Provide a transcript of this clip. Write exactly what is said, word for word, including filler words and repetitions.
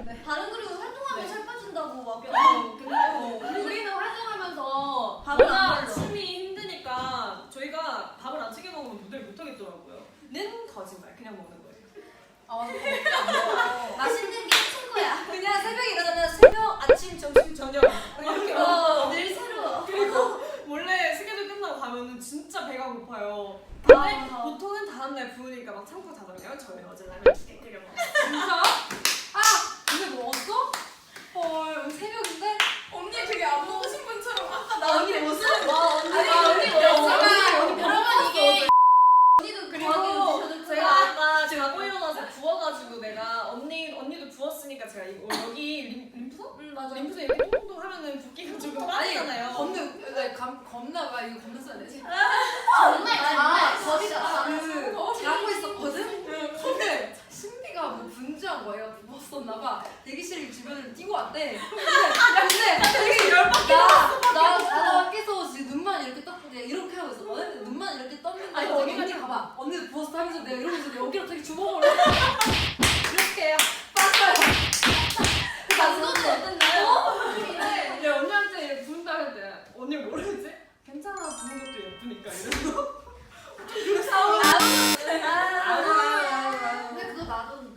네. 다른 그룹은 활동하면 네. 살 빠진다고 막. 어, 근데 어, 우리는 활동하면서 밥을 안 뭔가 먹어. 숨이 힘드니까 저희가 밥을 안 챙겨 먹으면 무대를 못 하겠더라고요. 는 거짓말. 그냥 먹는 거예요. 아 맞아. 맛있는 게 친구야. 그냥 새벽에 일어나면 새벽, 아침, 점심, 저녁 이렇게 어, 늘 새로워. 그리고 원래 스케줄 끝나고 가면은 진짜 배가 고파요. 근데 아. 보통은 다음날 부으니까 막 참고 자잖아요. 저희 어제 라면 두개 끓여 먹었어요. 진짜? 아 근데 먹었어? 헐 새벽인데? 언니 되게 안 먹으신 분처럼 아까 나 언니 무슨 와 언니 아니, 언니 언니 뭐였어? 뭐였어? 언니 여러분 이게 언니도 그리고 그리고 제가 아까 자고 일어나서 부어가지고 내가 언니 언니도 부었으니까 제가 이- 어, 여기 림, 림프? 응 맞아. 림프에 이렇게 똥똥 하면은 붓기가 좀 빠지잖아요. 겁나 나 감, 겁나 봐 이거 겁나 써야 되지? 정말 아, 정말 거리가 그 자고 있었거든? 근데 신비가 뭐 분주한 거예요. 부었었나봐. 대기실 주변을 뛰고 왔대. 근데 근데 되게 열받게 나나 자다가 깨서 지금 눈만 이렇게 떴는데 이렇게 하고 있었거든? 눈만 이렇게 떴는데 아니, 언니, 언니가 언니 가봐. 언니도 부었어 하면서 내가 이러면서 여기로 되게 주먹으로 이렇게 빴어요. 그것도 어땠나요? 근데 언니한테 이렇게 부은다 할 때 언니 모르지? 괜찮아 부은 것도 예쁘니까 이러면서 아, 근데 그거 나도